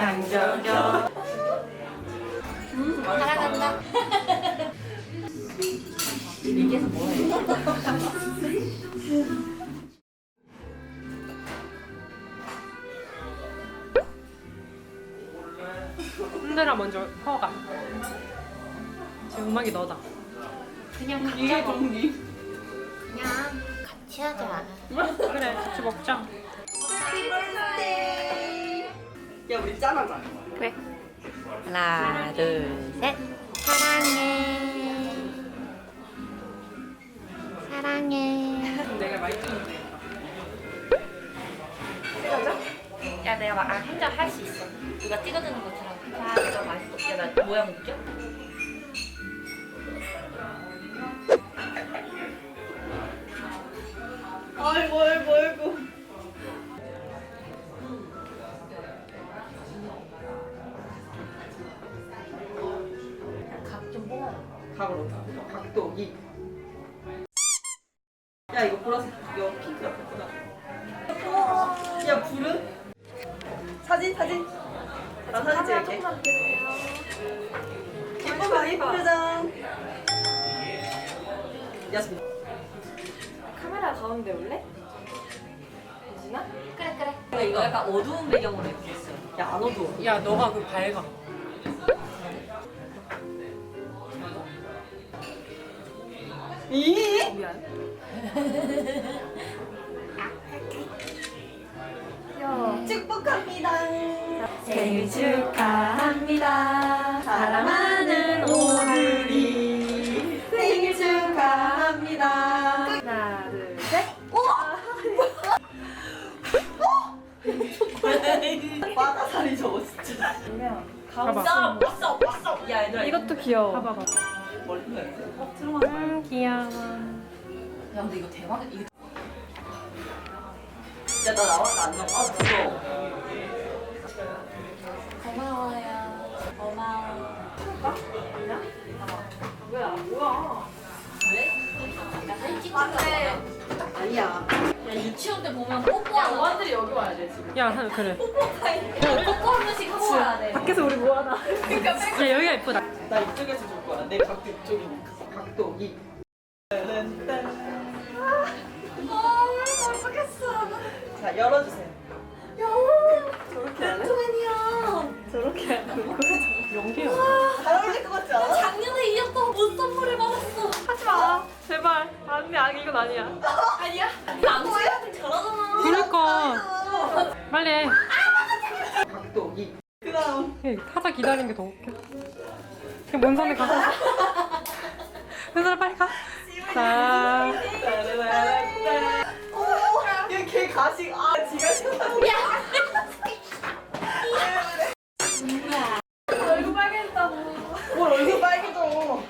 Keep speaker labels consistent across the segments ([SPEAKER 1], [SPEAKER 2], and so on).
[SPEAKER 1] 양저겨.
[SPEAKER 2] 사랑한다. 얘기해서 뭐해?
[SPEAKER 1] 흔들어 먼저 퍼가. 지금 음악이 너다.
[SPEAKER 2] 그냥 각자
[SPEAKER 1] 이게
[SPEAKER 2] 먹.
[SPEAKER 1] 정리.
[SPEAKER 2] 그냥 같이 하자.
[SPEAKER 1] 그래 같이 먹자.
[SPEAKER 3] 야 우리 짠하자.
[SPEAKER 2] 그래. 하나, 둘, 셋. 사랑해. 사랑해.
[SPEAKER 1] 내가 많이 찍는데.
[SPEAKER 2] 야, 내가 막 혼자 할 수 있어. 누가 찍어주는 것처럼. 자, 이거 맛있어. 야, 나 모양 웃겨?
[SPEAKER 3] 아이고 아이고 아이고.
[SPEAKER 2] 각 좀 뽑아.
[SPEAKER 3] 각으로 각도 이. 야 이거 보라색 이거 핑크 예쁘다. 야 불은? 사진. 나 사진 찍을게. 예쁜 표정. 야스민.
[SPEAKER 1] 카메라 가운데 올래? 유진아?
[SPEAKER 2] 그래. 근데 이거 약간 어두운 배경으로 해주겠어.
[SPEAKER 3] 야 안 어두워.
[SPEAKER 1] 야 너가 그 밝아.
[SPEAKER 3] 이?
[SPEAKER 1] 미안.
[SPEAKER 3] 축복합니다.
[SPEAKER 2] 생일 축하합니다.
[SPEAKER 3] 사랑하는 오늘이 생일 축하합니다.
[SPEAKER 1] 하나 둘 셋.
[SPEAKER 3] 바다살이 저거 진짜.
[SPEAKER 1] 봐봐.
[SPEAKER 2] 왔어. 야, 얘들아.
[SPEAKER 1] 이것도 귀여워. 봐봐.
[SPEAKER 3] 멀리
[SPEAKER 1] 귀여워.
[SPEAKER 2] 야, 근데 이거 대박이야. 이거
[SPEAKER 3] 야, 나 나와? 나 안 나와? 아, 무서워.
[SPEAKER 2] 고마워요. 고마워.
[SPEAKER 3] 뭐야?
[SPEAKER 2] 왜? 야, 사진 찍고 싶다.
[SPEAKER 3] 아니야.
[SPEAKER 2] 야, 유치원 때 보면 뽀뽀하는 거.
[SPEAKER 3] 여기 와야 돼, 지금.
[SPEAKER 1] 야 그래.
[SPEAKER 2] 뽀뽀 한 번씩 하고 와야 돼.
[SPEAKER 1] 밖에서 우리 뭐 하나? 야 여기가 예쁘다.
[SPEAKER 3] 나 이쪽에서 줄 거야. 내 각도 이쪽이니까. 각도 이.
[SPEAKER 2] 어떡했어.
[SPEAKER 3] 자, 열어주세요.
[SPEAKER 2] 저렇게 안 해?
[SPEAKER 1] 저렇게 하고. 연기야.
[SPEAKER 3] 잘 어울릴 것 같지 않아?
[SPEAKER 2] 작년에 이었던 옷 선물을 받았어.
[SPEAKER 1] 하지 마. 제발. 아니 이건 아니야.
[SPEAKER 2] 아니야? 남자한테 잘하잖아.
[SPEAKER 1] 그러니까. 빨리 해.
[SPEAKER 3] 각도 이. 그 다음.
[SPEAKER 1] 타자 기다리는 게 더 웃겨. 그냥 먼 산에 가. 먼 산에 빨리 가. 자.
[SPEAKER 3] 걔 가식. 아, 지가 싫다고.
[SPEAKER 2] 얼굴 빨개졌다고.
[SPEAKER 3] 뭘 얼굴 빨개져.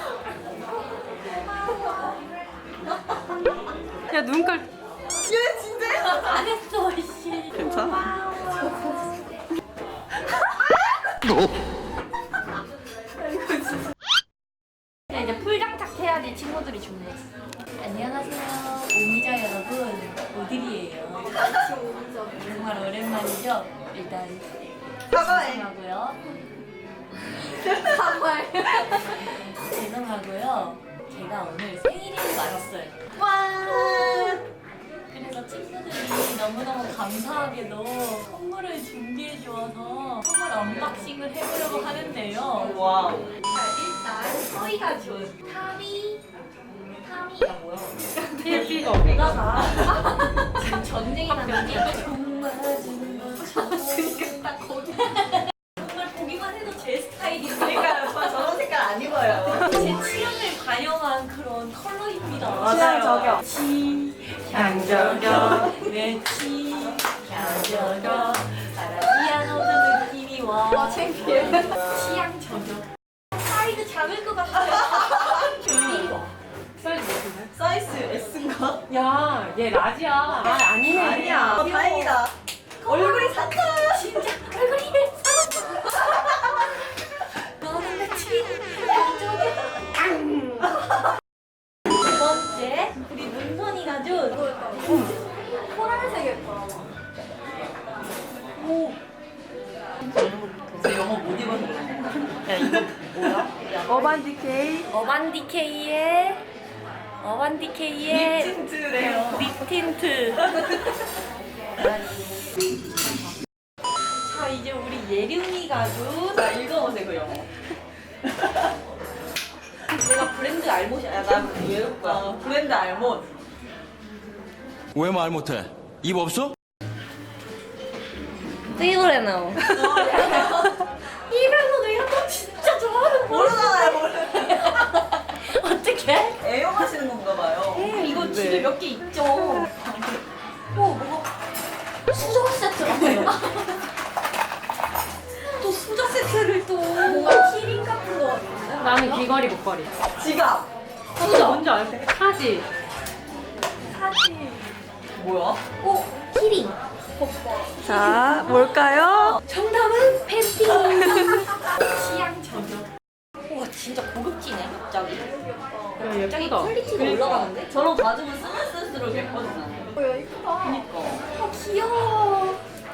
[SPEAKER 1] 야 눈깔.
[SPEAKER 3] 얘 진짜.
[SPEAKER 2] 안 했어, 이씨.
[SPEAKER 3] 괜찮아.
[SPEAKER 2] 야, 이제 풀장착 해야지 친구들이 좋네. 안녕하세요. 오미자 여러분. 오들이에요. 정말 오랜만이죠? 일단
[SPEAKER 3] 사과해.
[SPEAKER 2] 죄송하고요. 사과해. 죄송하고요. 제가 오늘 생일인 줄 알았어요.
[SPEAKER 3] 와.
[SPEAKER 2] 그래서 친구들이 너무너무 감사하게도 선물을 준비해 주어서 선물 언박싱을 해보려고 하는데요.
[SPEAKER 3] 와.
[SPEAKER 2] 자, 일단 서희가 준 타미가 뭐야?
[SPEAKER 1] TV가
[SPEAKER 2] 보다가 지금 전쟁이 났는지 종 맞은 것처럼 딱 거기 정말 보기만 해도 제 스타일이에요.
[SPEAKER 3] 그러니까 오빠 저런 색깔 안 입어요.
[SPEAKER 2] 제 취향을 반영한 그런 컬러입니다.
[SPEAKER 3] 취향 저격.
[SPEAKER 1] 양저겨.
[SPEAKER 2] 내치 양저겨 피아노 느낌이 와. 창피해. 취향 저격. 사이즈 작을 것 같아요. 이리 와.
[SPEAKER 1] 사이즈 몇인데?
[SPEAKER 3] 사이즈 S인가?
[SPEAKER 1] 야, 얘 라지야. 아, 아니네.
[SPEAKER 3] 아니야. 다행이다. 얼굴이 샀다.
[SPEAKER 2] 진짜 얼굴이 사놨어. 너는 내 취향 저격. 두 번째 우리 문선이가 준 보라색 예뻐. 오.
[SPEAKER 3] 제 영어 못 입어서 그래.
[SPEAKER 2] 야 이거 뭐야?
[SPEAKER 3] 어반 디케이
[SPEAKER 2] 어반디케이의
[SPEAKER 3] 틴트래요.
[SPEAKER 2] 립 틴트. 자 이제 우리 예림이가 준
[SPEAKER 3] 자 읽어보세요 그 영어.
[SPEAKER 2] 내가 브랜드 알못이야. 야, 나 외울 거야.
[SPEAKER 3] 브랜드 알못.
[SPEAKER 4] 왜 말 못해? 입 없어?
[SPEAKER 2] 페이브레노. 이브레노 이런 거 진짜 좋아하는 거
[SPEAKER 3] 모르잖아요 모르.
[SPEAKER 2] 어떡해?
[SPEAKER 3] 애용하시는 건가 봐요.
[SPEAKER 2] 이거 집에 몇 개 있죠. 뭐가 수저 세트라고요. 또 수저 세트를 또 뭔가 키링 같은 거 같은데?
[SPEAKER 1] 나는 귀걸이 목걸이.
[SPEAKER 3] 지갑.
[SPEAKER 1] 수저 뭔지 알아? 사지.
[SPEAKER 3] 뭐야?
[SPEAKER 2] 키링.
[SPEAKER 3] 자 뭘까요?
[SPEAKER 2] 정답은 팬티. 취향 저격. 와 진짜 고급지네 갑자기.
[SPEAKER 1] 야,
[SPEAKER 2] 갑자기
[SPEAKER 1] 예쁘다.
[SPEAKER 2] 퀄리티가 올라가는데?
[SPEAKER 3] 저런 가지고 쓰면 쓸수록 예뻐지나.
[SPEAKER 2] 뭐야 이쁘다.
[SPEAKER 3] 그니까.
[SPEAKER 2] 아 귀여워.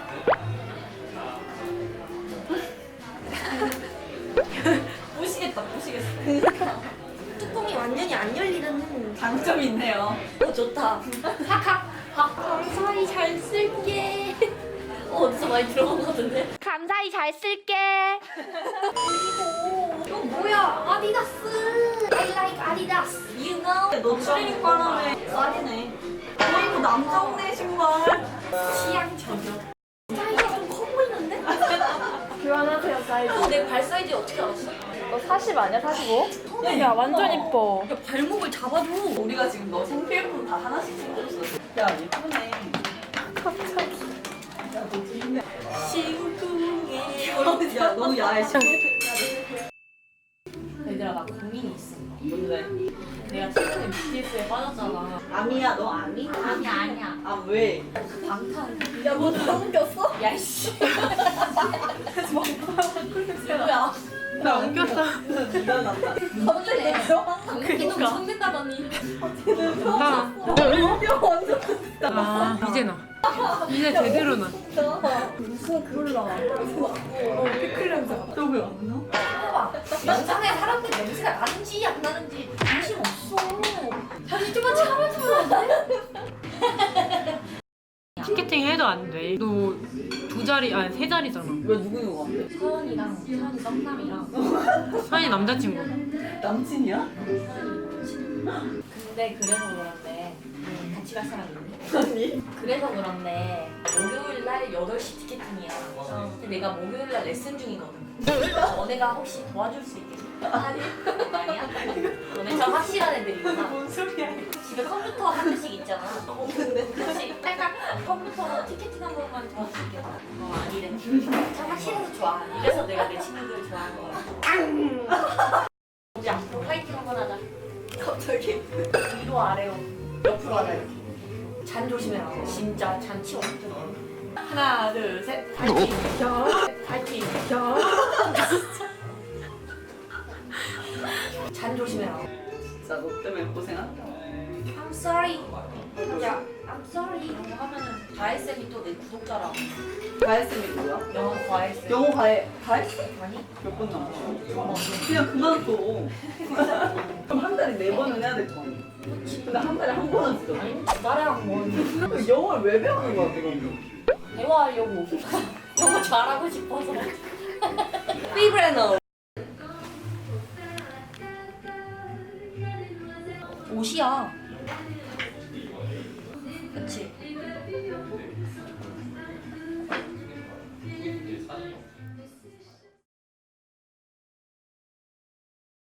[SPEAKER 3] 보시겠다 보시겠어.
[SPEAKER 2] 뚜껑이 완전히 안 열리는.
[SPEAKER 3] 장점이 있네요.
[SPEAKER 2] 좋다. 하하. 감사히 잘 쓸게. 어디서 많이 들어본 것 같은데? 감사히 잘 쓸게. 그리고 이거 뭐야? 아디다스. I like 아디다스. You know?
[SPEAKER 3] 너 추리닝 바람에 쌀이네. 이거 남자 옷네 신발.
[SPEAKER 2] 취향 저격. 사이즈가 좀 커 보이는데? 교환하세요 사이즈. 내 발 사이즈 어떻게 알았어?
[SPEAKER 3] 너 40 아니야 45?
[SPEAKER 1] 야, 완전 이뻐.
[SPEAKER 2] 야 발목을 잡아줘.
[SPEAKER 3] 우리가 지금 너 생필품 다 하나씩 챙겨줬어. 야 예쁘네. 갑자기. 야너 좋네.
[SPEAKER 2] 심쿵해.
[SPEAKER 3] 야 너무 야해.
[SPEAKER 2] 얘들아 나 고민이 있어.
[SPEAKER 3] 뭔데?
[SPEAKER 2] 내가 최근에 BTS에 빠졌잖아.
[SPEAKER 3] 아미야 너 아미?
[SPEAKER 2] 아니야.
[SPEAKER 3] 아 왜?
[SPEAKER 2] 방탄.
[SPEAKER 3] 야뭐 넘겼어?
[SPEAKER 2] 야이씨. 뭐야?
[SPEAKER 1] 나 웃겼어.
[SPEAKER 3] 네가 났다.
[SPEAKER 2] 갑자기 방귀 좀 청낸다더니.
[SPEAKER 1] 나.
[SPEAKER 3] 완전
[SPEAKER 1] 아, 이제 나. 이제 제대로 나.
[SPEAKER 3] 너왜 안 나?
[SPEAKER 2] 봐봐. 영상에 사람들 냄새가 나는지 안 나는지 관심 없어. 잠시 좀만 참아주면 안 돼?
[SPEAKER 1] 티켓팅 해도 안 돼. 너 두 자리, 아니 세 자리잖아.
[SPEAKER 3] 왜 누구 같아?
[SPEAKER 2] 서연이랑 서연이 썸남이랑.
[SPEAKER 1] 서연이 남자친구.
[SPEAKER 3] 남친이야?
[SPEAKER 2] 근데 그래서 그런데 같이 갈 사람 있네.
[SPEAKER 3] 아니.
[SPEAKER 2] 그래서 그런데 목요일 날 8시 티켓팅이야. 근데 내가 목요일 날 레슨 중이거든. 너네가 혹시 도와줄 수 있겠니? 아니. 아니야? 너네 참 확실한 애들이구나.
[SPEAKER 3] 뭔 소리야?
[SPEAKER 2] 집에 컴퓨터 한 대씩 있잖아. 없는데. 그렇지. 약간 컴퓨터로 티켓팅 한 번만 도와줄게. 아니래. 참 확실해서 좋아. 이래서 내가 내 친구들 좋아하는 거야. 우리 앞으로 파이팅 한번 하자.
[SPEAKER 3] 갑자기?
[SPEAKER 2] 위로 아래로 옆으로 하자 이렇게. 잔 조심해라. 진짜 잔 치워. 하나 둘 셋. 파이팅. 파이팅. 잔 조심해라.
[SPEAKER 3] 진짜 너 때문에 고생한다.
[SPEAKER 2] I'm sorry. 야, I'm sorry. 이런 거 하면은 다혜쌤이 또 내 구독자라고.
[SPEAKER 3] 가해쌤이 뭐야?
[SPEAKER 2] 영어 과외쌤.
[SPEAKER 3] 영어 가해쌤?
[SPEAKER 2] 아니?
[SPEAKER 3] 몇 번 나왔어? 그냥 그만둬. 그럼 한 달에 4번은 해야 될 거 아니야? 근데 한 달에 한 번은 쓰잖아.
[SPEAKER 2] 아니, 두 달에 한 번.
[SPEAKER 3] 영어를 왜 배우는 거야, 지금?
[SPEAKER 2] 대화하려고. 영어 잘하고 싶어서. 피브레노. 옷이야.